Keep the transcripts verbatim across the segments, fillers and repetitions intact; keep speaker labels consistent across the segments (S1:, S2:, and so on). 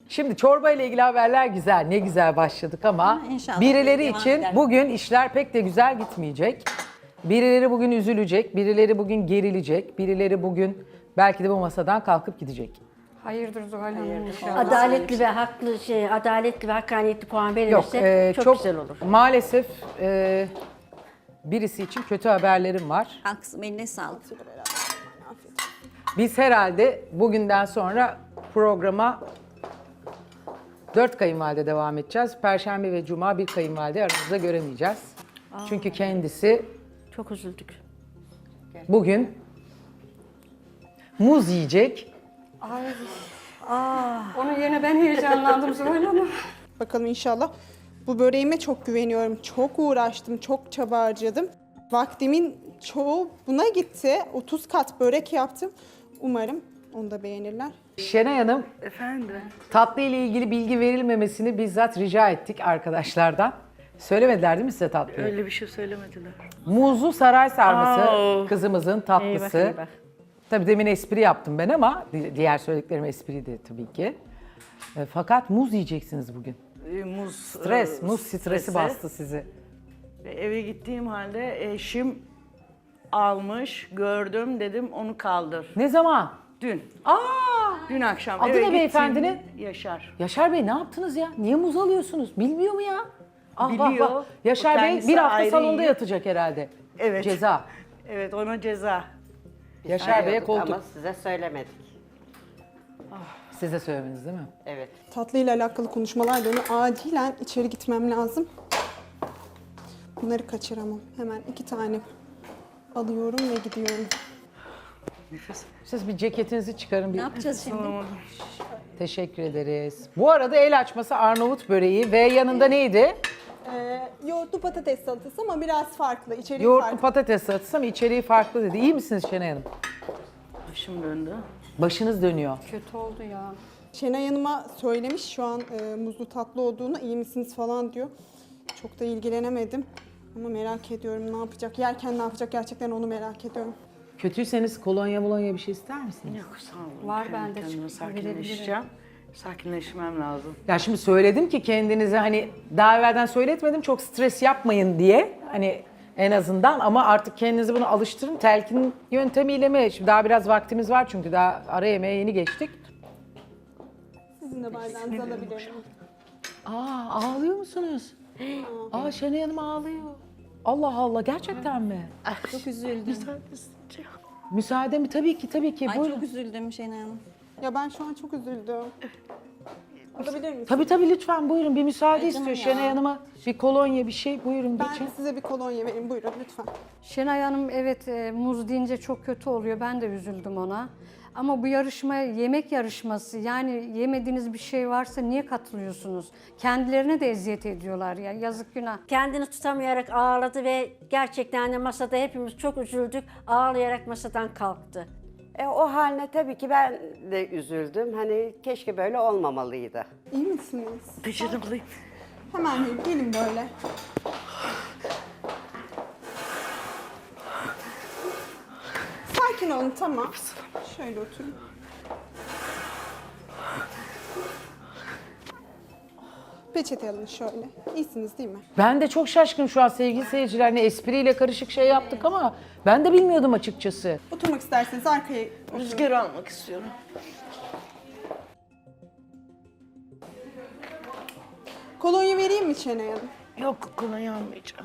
S1: Şimdi çorba ile ilgili haberler güzel. Ne güzel başladık ama
S2: Ama inşallah
S1: birileri
S2: devam
S1: için
S2: eder.
S1: bugün işler pek de güzel gitmeyecek. Birileri bugün üzülecek, birileri bugün gerilecek, birileri bugün belki de bu masadan kalkıp gidecek.
S3: Hayırdır Zuhal Hanım inşallah.
S4: Adaletli ve haklı şey, adaletli ve hakkaniyetli puan
S1: Yok,
S4: verilirse
S1: e,
S4: çok,
S1: çok
S4: güzel olur.
S1: maalesef e, birisi için kötü haberlerim var.
S2: Haksız, eline sağlık.
S1: Biz herhalde bugünden sonra programa dört kayınvalide devam edeceğiz. Perşembe ve Cuma bir kayınvalide aramızda göremeyeceğiz. Çünkü kendisi
S4: Çok üzüldük.
S1: bugün muz yiyecek.
S3: Onun yerine ben heyecanlandım Zuhal Hanım.
S5: Bakalım inşallah. Bu böreğime çok güveniyorum. Çok uğraştım, çok çaba harcadım. Vaktimin çoğu buna gitti. otuz kat börek yaptım. Umarım onu da beğenirler.
S1: Şenay Hanım,
S6: Efendim?
S1: tatlı ile ilgili bilgi verilmemesini bizzat rica ettik arkadaşlardan. Söylemediler değil mi size tatlıyı?
S6: Öyle bir şey söylemediler.
S1: Muzlu saray sarması
S6: Aa.
S1: kızımızın tatlısı.
S4: Eyvah, eyvah.
S1: Tabii demin espri yaptım ben ama di- diğer söylediklerim espriydi tabii ki. E, fakat muz yiyeceksiniz bugün.
S6: Ee, muz
S1: Stres,
S6: e,
S1: muz stresi bastı sizi.
S6: Ve eve gittiğim halde eşim almış, gördüm, dedim onu kaldır.
S1: Ne zaman?
S6: Dün,
S1: Aa!
S6: dün akşam
S1: Adı
S6: eve
S1: ne
S6: gittim,
S1: beyefendinin?
S6: Yaşar.
S1: Yaşar Bey ne yaptınız ya? Niye muz alıyorsunuz? Bilmiyor mu ya? Ah, vah,
S6: Biliyor.
S1: vah. Yaşar
S6: O
S1: Bey
S6: kendisi
S1: bir hafta
S6: ayrı
S1: salonda
S6: yiyor.
S1: yatacak herhalde.
S6: Evet.
S1: Ceza.
S6: Evet, ona ceza.
S1: Yaşar Bey'e koltuk.
S7: Ama size söylemedik.
S1: Size söylemeniz değil mi?
S7: Evet.
S5: Tatlıyla alakalı konuşmalar dönüyor. Acilen içeri gitmem lazım. Bunları kaçıramam. Hemen iki tane alıyorum ve gidiyorum.
S6: Nefes.
S1: Siz bir ceketinizi çıkarın. Bir...
S2: Ne yapacağız şimdi?
S1: Teşekkür ederiz. Bu arada el açması Arnavut böreği ve yanında neydi?
S5: Ee, yoğurtlu patates salatası ama biraz farklı. İçeriği
S1: Yoğurtlu
S5: farklı.
S1: patates salatası ama içeriği farklı dedi. İyi misiniz Şenay Hanım?
S6: Başım döndü.
S1: Başınız dönüyor.
S3: Kötü oldu ya.
S5: Şenay Hanım'a söylemiş şu an e, muzlu tatlı olduğunu, iyi misiniz falan diyor. Çok da ilgilenemedim. Ama merak ediyorum ne yapacak, yerken ne yapacak gerçekten onu merak ediyorum.
S1: Kötüyseniz kolonya molonya bir şey ister misiniz?
S6: Yok sağ olun.
S3: Var
S6: Kendi
S3: bende,
S6: kendime
S3: çıktı,
S6: sakinleşeceğim. Sakinleşmem lazım.
S1: Ya şimdi söyledim ki kendinize hani daha evvelden söyletmedim çok stres yapmayın diye. Hani en azından ama artık kendinizi buna alıştırın. Telkin yöntemiyle mi? Şimdi daha biraz vaktimiz var çünkü daha ara yemeğe yeni geçtik.
S5: Sizin de bardağınızı alabilirim.
S1: Aa ağlıyor musunuz? Aa Şenay Hanım ağlıyor. Allah Allah gerçekten mi?
S2: Çok üzüldüm.
S1: Müsaade mi? Tabii ki tabii ki.
S2: Ay
S1: Buyurun.
S2: çok üzüldüm Şenay Hanım.
S5: Ya ben şu an çok üzüldüm. Alabilir misiniz?
S1: Tabii tabii lütfen buyurun bir müsaade
S2: Ay
S1: istiyor
S2: canım ya.
S1: Şenay Hanım'a. Bir kolonya bir şey buyurun
S5: Ben
S1: geçin.
S5: size bir kolonya vereyim buyurun lütfen.
S3: Şenay Hanım evet e, muz deyince çok kötü oluyor. Ben de üzüldüm ona. Ama bu yarışmaya yemek yarışması yani yemediğiniz bir şey varsa niye katılıyorsunuz? Kendilerine de eziyet ediyorlar ya yazık günah.
S4: Kendini tutamayarak ağladı ve gerçekten de masada hepimiz çok üzüldük. Ağlayarak masadan kalktı.
S7: E, o haline tabii ki ben de üzüldüm. Hani keşke böyle olmamalıydı.
S5: İyi misiniz?
S6: Peçete bulayım.
S5: Hemen gelin, gelin böyle. Sakin olun tamam. Şöyle oturun. Peçete alın şöyle. İyisiniz değil mi?
S1: Ben de çok şaşkın şu an sevgili seyirciler. Ne espriyle karışık şey yaptık ama ben de bilmiyordum açıkçası.
S5: Oturmak isterseniz arkaya oturun.
S6: Rüzgar almak istiyorum.
S5: Kolonya vereyim mi Şenay Hanım?
S6: Yok kolonya almayacağım.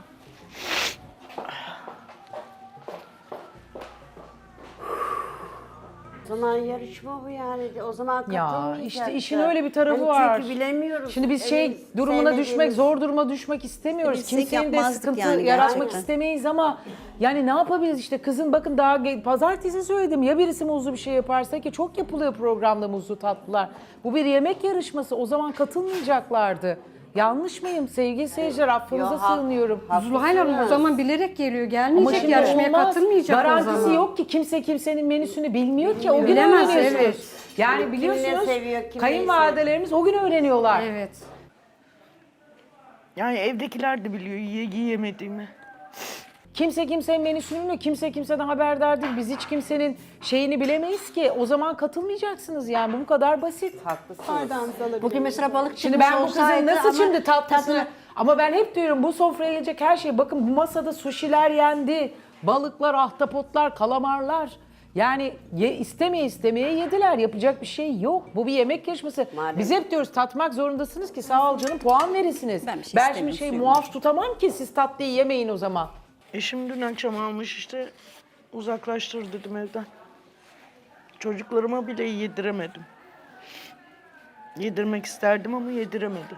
S7: O zaman yarışma bu yani. O zaman
S1: Ya
S7: katılmayacaktı.
S1: işte işin öyle bir tarafı
S7: Hani
S1: var.
S7: Çünkü bilemiyoruz.
S1: Şimdi biz şey
S7: Evet,
S1: durumuna
S7: sevmediğimiz-
S1: düşmek, zor duruma düşmek istemiyoruz.
S2: Bilsek
S1: Kimsenin de
S2: yapmazdık
S1: sıkıntı
S2: yani
S1: yaratmak
S2: gerçekten.
S1: istemeyiz ama yani ne yapabiliriz işte kızın bakın daha ge- pazartesi söyledim ya birisi muzlu bir şey yaparsa ki çok yapılıyor programda muzlu tatlılar. Bu bir yemek yarışması o zaman katılmayacaklardı. Yanlış mıyım sevgili seyirciler affınıza
S7: Yo, ha-
S1: sığınıyorum.
S3: Zuhal Hanım o zaman bilerek geliyor.
S1: Ama
S3: Gelmeyecek
S1: şimdi
S3: yarışmaya
S1: olmaz.
S3: katılmayacak o
S1: Garantisi
S3: zaman.
S1: yok ki kimse kimsenin menüsünü bilmiyor ki o gün
S3: Bilemez,
S1: öğreniyorsunuz.
S3: evet.
S1: Yani
S7: Kim ne
S1: biliyorsunuz
S7: seviyor, kim neyi
S1: kayınvalidelerimiz o gün öğreniyorlar.
S3: Evet.
S6: Yani evdekiler de biliyor yiye yiyemediğimi.
S1: Kimse kimsenin menüsünü bilmiyor, kimse kimseden haberdar değil. Biz hiç kimsenin şeyini bilemeyiz ki. O zaman katılmayacaksınız yani, bu kadar basit.
S7: Haklısınız.
S5: Bardağınızı alabilir
S4: Bugün
S5: miyim?
S4: mesela balık
S1: Şimdi
S4: çıkmış
S1: ben bu kızın
S4: olsaydı
S1: nasıl
S4: ama
S1: şimdi tatlısını...
S4: tadını-
S1: Ama ben hep diyorum bu sofraya gelecek her şey. Bakın bu masada suşiler yendi. Balıklar, ahtapotlar, kalamarlar. Yani ye, istemeye istemeye yediler. Yapacak bir şey yok. Bu bir yemek yarışması.
S7: Maalesef.
S1: Biz hep diyoruz tatmak zorundasınız ki sağ ol canım puan verirsiniz.
S2: Ben bir şey
S1: ben
S2: istemiyorum,
S1: şimdi şey
S2: suyum
S1: muaf tutamam ki siz tatlıyı yemeyin o zaman.
S6: Eşim dün akşam almış işte uzaklaştır dedim evden. Çocuklarıma bile yediremedim. Yedirmek isterdim ama yediremedim.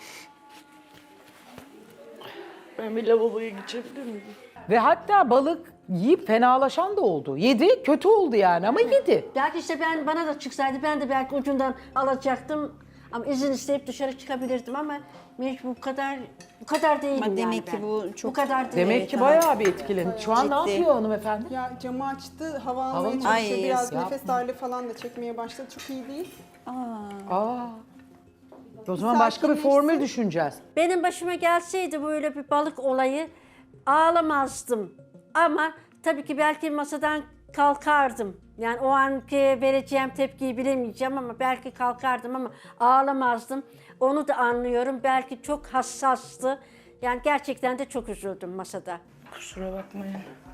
S6: Ben bir lavaboya geçebilir miyim?
S1: Ve hatta balık yiyip fenalaşan da oldu. Yedi, kötü oldu yani ama yedi.
S4: Belki işte ben bana da çıksaydı ben de belki ucundan alacaktım. Ama izin isteyip dışarı çıkabilirdim ama mecbur bu kadar bu kadar değilim
S2: Ama
S4: yani
S2: demek ki
S4: ben.
S2: bu çok-
S4: bu kadar değil.
S1: Demek
S2: Evet,
S1: ki
S2: tamam.
S1: bayağı bir etkilendi. Şu an ne
S2: Ciddi.
S1: yapıyor hanımefendi?
S5: Ya camı açtı, hava
S1: Hava
S5: almaya
S1: mı?
S5: çalışıyor.
S2: Ay,
S5: Biraz
S1: yapma.
S5: nefes darlığı falan da çekmeye başladı. Çok iyi değil.
S1: Aa. O zaman başka bir formül düşüneceğiz.
S4: Benim başıma gelseydi böyle bir balık olayı ağlamazdım. Ama tabii ki belki masadan kalkardım. Yani o anki vereceğim tepkiyi bilemeyeceğim ama belki kalkardım ama ağlamazdım. Onu da anlıyorum. Belki çok hassastı. Yani gerçekten de çok üzüldüm masada.
S6: Kusura bakmayın.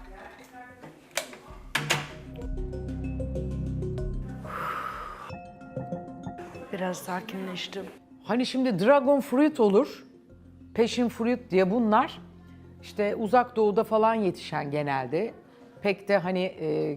S6: Biraz sakinleştim.
S1: Hani şimdi dragon fruit olur, passion fruit diye bunlar işte uzak doğuda falan yetişen genelde. Pek de hani e,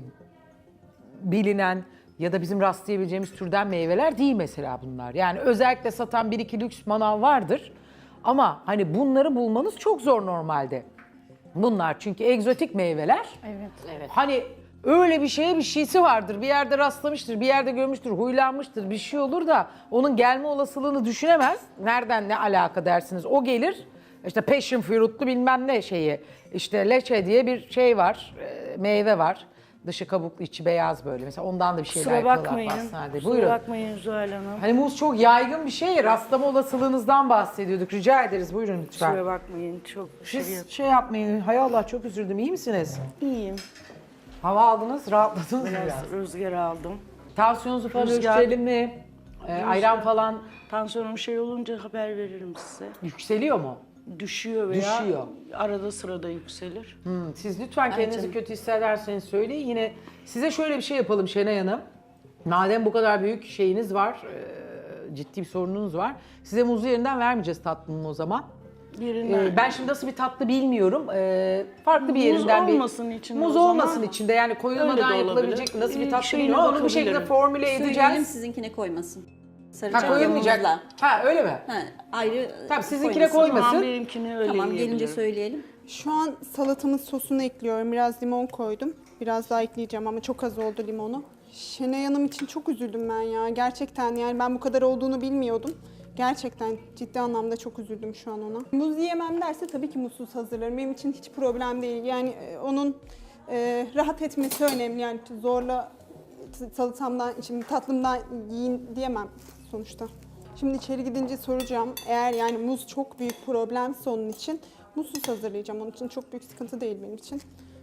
S1: bilinen ya da bizim rastlayabileceğimiz türden meyveler değil mesela bunlar. Yani özellikle satan bir iki lüks manav vardır. Ama hani bunları bulmanız çok zor normalde. Bunlar çünkü egzotik meyveler.
S3: Evet.
S1: Evet. Hani öyle bir şeye bir şeysi vardır. Bir yerde rastlamıştır, bir yerde görmüştür, huylanmıştır, bir şey olur da onun gelme olasılığını düşünemez. Nereden ne alaka dersiniz? O gelir. İşte passion fruit'lu bilmem ne şeyi. İşte leçe diye bir şey var, e, meyve var. Dışı kabuklu, içi beyaz böyle. Mesela ondan da bir şeyler
S6: Kusura
S1: yapıyorlar
S6: bakmayın.
S1: pastanede.
S6: Kusura
S1: Buyurun.
S6: bakmayın Zuhal Hanım.
S1: Hani muz çok yaygın bir şey. Rastlama olasılığınızdan bahsediyorduk. Rica ederiz. Buyurun lütfen.
S6: Kusura bakmayın. Çok şey
S1: Siz şey yapmayın. Hay Allah çok üzüldüm. İyi misiniz?
S6: iyiyim.
S1: Hava aldınız, rahatladınız mı biraz?
S6: Biraz rüzgar aldım.
S1: Tansiyonunuzu falan
S6: Rüzgar-
S1: ölçelim mi? Ee, ayran falan
S6: Tansiyonum şey olunca haber veririm size.
S1: yükseliyor mu?
S6: Düşüyor veya
S1: Düşüyor.
S6: arada sırada yükselir.
S1: Hmm, siz lütfen kendinizi kötü hissederseniz söyleyin. Yine size şöyle bir şey yapalım Şenay Hanım. Madem bu kadar büyük şeyiniz var, e, ciddi bir sorununuz var. Size muzu yerinden vermeyeceğiz tatlının o zaman.
S6: Yerinden.
S1: Ee, ben şimdi nasıl bir tatlı bilmiyorum. Ee, farklı bir
S6: Muz
S1: yerinden bir...
S6: olmasın içinde
S1: Muz
S6: o zaman.
S1: olmasın içinde yani
S6: Öyle
S1: koyulmadan
S6: de
S1: yapılabilecek
S6: olabilir.
S1: nasıl bir
S6: Ee,
S1: tatlı
S6: şeyine
S1: bilmiyorum. Onu bir şekilde
S6: bakabilirim.
S1: formüle
S2: Söyleyelim
S1: edeceğiz.
S2: sizinkine koymasın.
S1: Ha
S2: Saracağım
S1: koyulmayacak.
S2: yumurtla.
S1: Ha öyle mi?
S2: Ha, ayrı
S1: Tamam sizinkine
S2: koymasın.
S6: Tamam
S1: koymasın.
S6: benimkini öyle
S2: Tamam gelince
S6: yiyebilirim.
S2: söyleyelim.
S5: Şu an salatamın sosunu ekliyorum. Biraz limon koydum. Biraz daha ekleyeceğim ama çok az oldu limonu. Şenay Hanım için çok üzüldüm ben ya. Gerçekten yani ben bu kadar olduğunu bilmiyordum. Gerçekten ciddi anlamda çok üzüldüm şu an ona. Muz yiyemem derse tabii ki muzsuz hazırlarım. Benim için hiç problem değil. Yani e, onun e, rahat etmesi önemli. Yani zorla t- salatamdan, şimdi tatlımdan yiyin diyemem sonuçta. Şimdi içeri gidince soracağım. Eğer yani muz çok büyük problemse onun için muzsuz hazırlayacağım. Onun için çok büyük sıkıntı değil benim için.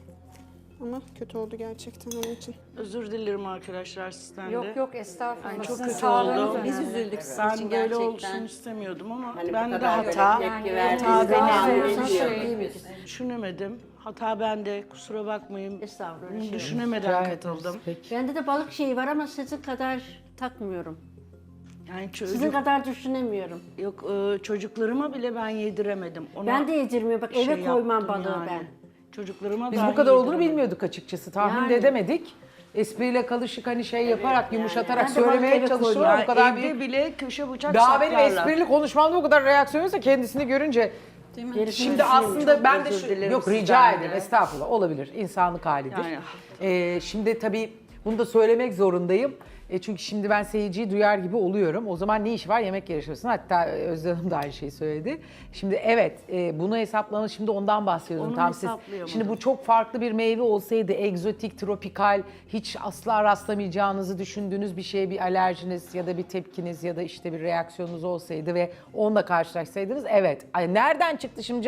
S5: Ama kötü oldu gerçekten onun için.
S6: Özür dilerim arkadaşlar sizden de.
S3: Yok yok estağfurullah.
S6: Çok
S3: Sizin
S6: kötü
S3: sağlığınız
S6: oldu.
S3: önemli.
S2: Biz üzüldük sizin
S6: Ben
S2: için
S6: böyle
S2: gerçekten.
S6: olsun istemiyordum ama
S7: Hani bu
S6: ben de
S7: kadar böyle
S6: hata.
S7: tepki
S3: Yani
S7: verdiğiniz
S6: hata
S7: zaman
S6: benim.
S7: üzülüyorum.
S3: Söyleyeyim.
S6: Düşünemedim. Hata bende. Kusura bakmayın.
S4: Estağfurullah.
S6: Bunu
S4: Şey.
S6: düşünemeden katıldım.
S1: Peki.
S4: Bende de balık şeyi var ama sizin kadar takmıyorum.
S6: Yani
S4: Sizin
S6: çocuk,
S4: kadar düşünemiyorum.
S6: yok e, çocuklarıma bile ben yediremedim. Ona
S4: Ben de yedirmiyorum. Bak eve
S6: şey
S4: koymam
S6: yaptım
S4: balığı
S6: yani.
S4: ben.
S6: Çocuklarıma
S1: Biz
S6: dahi
S1: bu kadar olduğunu
S6: yediremedim.
S1: bilmiyorduk açıkçası. Tahmin
S4: Yani.
S1: de edemedik. Espriyle kalışık hani şey yaparak, yumuşatarak
S4: Ben de balık
S1: söylemeye
S4: eve
S1: çalışıyorlar.
S6: Yani
S1: Bu kadar
S6: evde
S1: büyük.
S6: bile köşe bıçak
S1: Daha benim
S6: saklarlar.
S1: esprili konuşmamda o kadar reaksiyon yoksa kendisini görünce.
S2: Değil mi?
S4: Gerisini
S1: Şimdi
S4: düşünüyorum.
S1: aslında
S6: Çok
S1: ben de
S6: özür
S1: şu,
S6: dilerim
S1: yok rica
S6: sizden
S1: ederim
S6: de.
S1: estağfurullah olabilir insanlık halidir.
S6: Yani.
S1: Ee, şimdi tabii bunu da söylemek zorundayım. E çünkü şimdi ben seyirciyi duyar gibi oluyorum. O zaman ne iş var yemek yarışmasında? Hatta Özlem Hanım da aynı şeyi söyledi. Şimdi evet e, bunu hesaplanın şimdi ondan bahsediyordum.
S6: Onu
S1: Tam siz.
S6: hesaplayamadım.
S1: Şimdi bu çok farklı bir meyve olsaydı egzotik, tropikal, hiç asla rastlamayacağınızı düşündüğünüz bir şeye bir alerjiniz ya da bir tepkiniz ya da işte bir reaksiyonunuz olsaydı ve onunla karşılaşsaydınız evet. Ay nereden çıktı şimdi canım?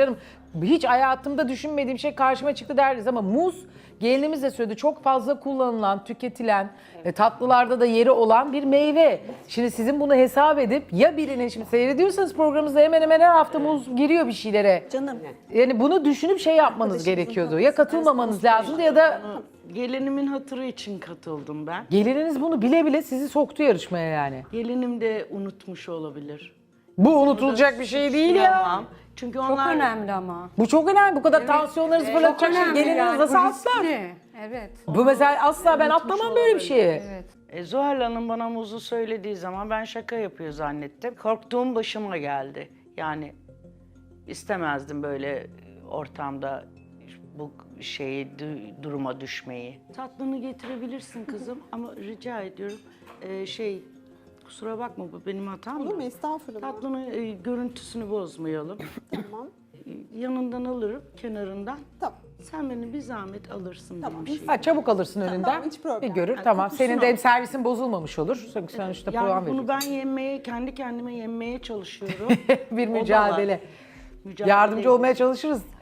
S1: hiç hayatımda düşünmediğim şey karşıma çıktı derdiniz ama muz gelinimiz de söyledi çok fazla kullanılan, tüketilen, e, tatlılarda da yeri olan bir meyve. Şimdi sizin bunu hesap edip ya birine şimdi seyrediyorsanız programımızda hemen hemen her hafta muz giriyor bir şeylere.
S2: Canım.
S1: Yani bunu düşünüp şey yapmanız gerekiyordu. Ya katılmamanız lazımdı ya da
S6: Gelinimin hatırı için katıldım ben.
S1: gelininiz bunu bile bile sizi soktu yarışmaya yani.
S6: Gelinim de unutmuş olabilir.
S1: Bu unutulacak bir şey değil ya.
S6: Tamam. Çünkü
S3: Çok
S6: onlar
S3: önemli ama.
S1: Bu çok önemli. Bu kadar tansiyonlarınızı fırlatacak şey gelininiz
S3: yani,
S1: nasıl
S3: bu
S1: atlar?
S3: riskli. Evet.
S1: Bu mesela asla ben atlamam böyle bir şeyi.
S6: E, Zuhal Hanım bana muzu söylediği zaman ben şaka yapıyor zannettim. Korktuğum başıma geldi. Yani istemezdim böyle ortamda bu şeyi du- duruma düşmeyi. Tatlını getirebilirsin kızım ama rica ediyorum e, şey kusura bakma bu benim hatam
S5: Olur mu?
S6: da.
S5: Estağfurullah.
S6: Tatlının e, görüntüsünü bozmayalım.
S5: Tamam.
S6: Yanından alırım kenarından.
S5: Tamam.
S6: Sen beni bir zahmet alırsın
S5: Tamam.
S6: benim şeyi.
S1: Ha, çabuk alırsın önünden.
S5: hiç problem.
S1: Bir görür
S6: Yani
S1: tamam.
S6: kokusunu
S1: Senin de
S6: al.
S1: hem servisin bozulmamış olur. Sen işte puan
S6: Yani
S1: verirsin.
S6: bunu ben yemeye, kendi kendime yemeye çalışıyorum.
S1: Bir
S6: O da var.
S1: mücadele.
S6: Mücadele
S1: Yardımcı
S6: ediyoruz.
S1: olmaya çalışırız.